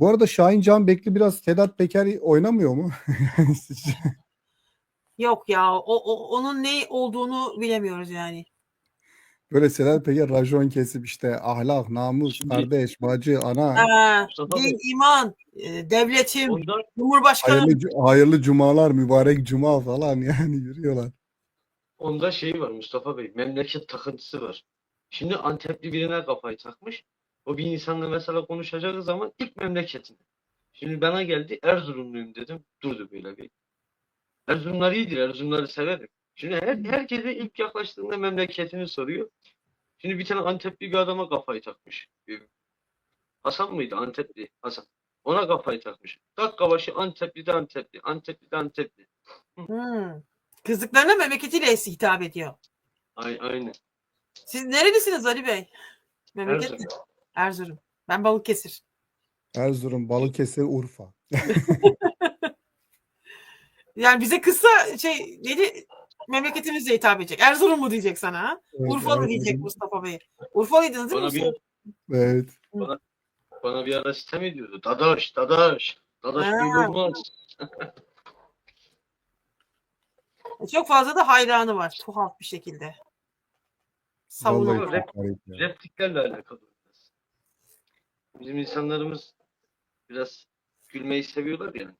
Bu arada Şahin Canbekli biraz Sedat Peker oynamıyor mu? Yani Yok ya, onun ne olduğunu bilemiyoruz yani. böyle Sedat Peker racon kesip işte ahlak, namus, Şimdi kardeş, bacı, ana, Mustafa Din, Bey, iman, devletim, onda Cumhurbaşkanım. hayırlı cumalar, mübarek cuma falan yani yürüyorlar. onda şey var Mustafa Bey, memleket takıntısı var. Şimdi Antepli birine kafayı takmış. O bir insanla mesela konuşacağı zaman ilk memleketini. Şimdi bana geldi, Erzurumluyum dedim. Durdu böyle bir. Erzurumlar iyidir, Erzurumları severim. Şimdi herkese ilk yaklaştığında memleketini soruyor. Şimdi bir tane Antepli bir adama kafayı takmış. Hasan mıydı? Antepli Hasan. Ona kafayı takmış. Dakika başı Antepli de Antepli. Antepli de Antepli. Hmm. Kızdıklarına memleketiyle hitap ediyor. Aynen. Siz nerelisiniz Ali Bey? Memleket mi? Erzurum. Erzurum. Ben Balıkesir. Erzurum, Balıkesir, Urfa. Yani bize kısa neydi? Memleketimizle hitap edecek. Erzurum mu diyecek sana ha? Evet, Urfalı diyecek Erzurum. Mustafa Bey. Urfalıydınız değil mi Bana bir Mustafa? Evet. bana, bana bir ara sitem ediyordu. Dadaş, Dadaş. Dadaş böyle Ha, olmaz. çok fazla da hayranı var tuhaf bir şekilde. Vallahi Savunuyor. çok garip ya. Repliklerle alakalı biraz. Bizim insanlarımız biraz gülmeyi seviyorlar yani.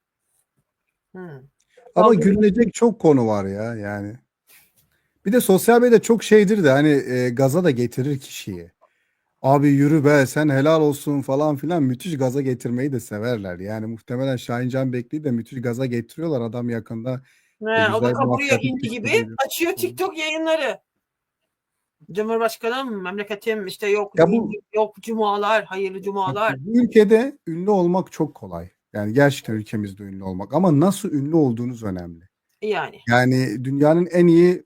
Hmm. Ama Dalga- gülünecek çok konu var ya yani. Bir de sosyal medya çok şeydir de hani gaza da getirir kişiyi. Abi yürü be sen helal olsun falan filan müthiş gaza getirmeyi de severler. Yani muhtemelen Şahin Canbekli'yi de müthiş gaza getiriyorlar. Adam yakında O da güzel bir kaburuyor mafyatik hindi gibi. güçlü. Açıyor TikTok yayınları. Cumhurbaşkanım, memleketim, işte yok Ya din, yok cumalar, hayırlı cumalar. bu ülkede ünlü olmak çok kolay. Yani gerçekten ülkemizde ünlü olmak. Ama nasıl ünlü olduğunuz önemli. Yani. Yani dünyanın en iyi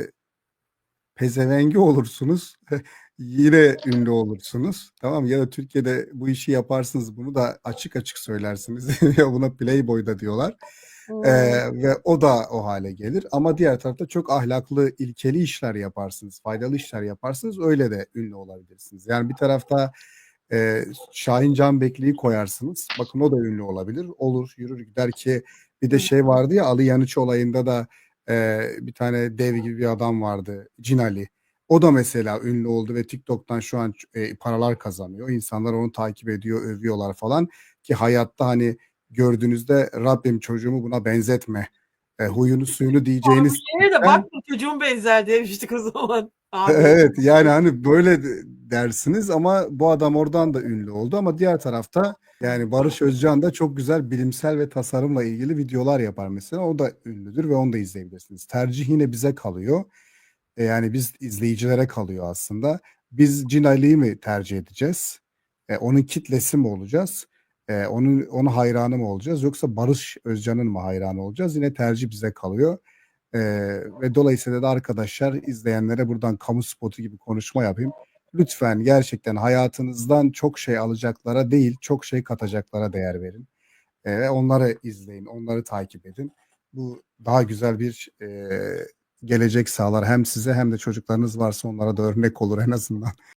pezevengi olursunuz. Yine ünlü olursunuz. Tamam mı? Ya da Türkiye'de bu işi yaparsınız. Bunu da açık açık söylersiniz. Ya buna Playboy da diyorlar. Ve o da o hale gelir. Ama diğer tarafta çok ahlaklı, ilkeli işler yaparsınız. Faydalı işler yaparsınız. Öyle de ünlü olabilirsiniz. Yani bir tarafta Şahin Canbekli'yi koyarsınız. Bakın o da ünlü olabilir. Olur, yürür gider ki bir de şey vardı ya Ali Yanıç olayında da bir tane dev gibi bir adam vardı. Cinali. O da mesela ünlü oldu ve TikTok'tan şu an paralar kazanıyor. İnsanlar onu takip ediyor, övüyorlar falan. Ki hayatta hani gördüğünüzde Rabbim çocuğumu buna benzetme. Huyunu suyunu diyeceğiniz Şeye de tipten bak çocuğum benzer demiştik o zaman. Abi. evet yani hani böyle dersiniz ama bu adam oradan da ünlü oldu ama diğer tarafta yani Barış Özcan da çok güzel bilimsel ve tasarımla ilgili videolar yapar mesela. O da ünlüdür ve onu da izleyebilirsiniz. Tercih yine bize kalıyor. Yani biz izleyicilere kalıyor aslında. Biz Cin Ali'yi mi tercih edeceğiz? Onun kitlesi mi olacağız? Onun hayranı mı olacağız? Yoksa Barış Özcan'ın mı hayranı olacağız? Yine tercih bize kalıyor. Ve dolayısıyla da arkadaşlar izleyenlere buradan kamu spotu gibi konuşma yapayım. Lütfen gerçekten hayatınızdan çok şey alacaklara değil, çok şey katacaklara değer verin. Ve onları izleyin, onları takip edin. Bu daha güzel bir gelecek sağlar hem size hem de çocuklarınız varsa onlara da örnek olur en azından.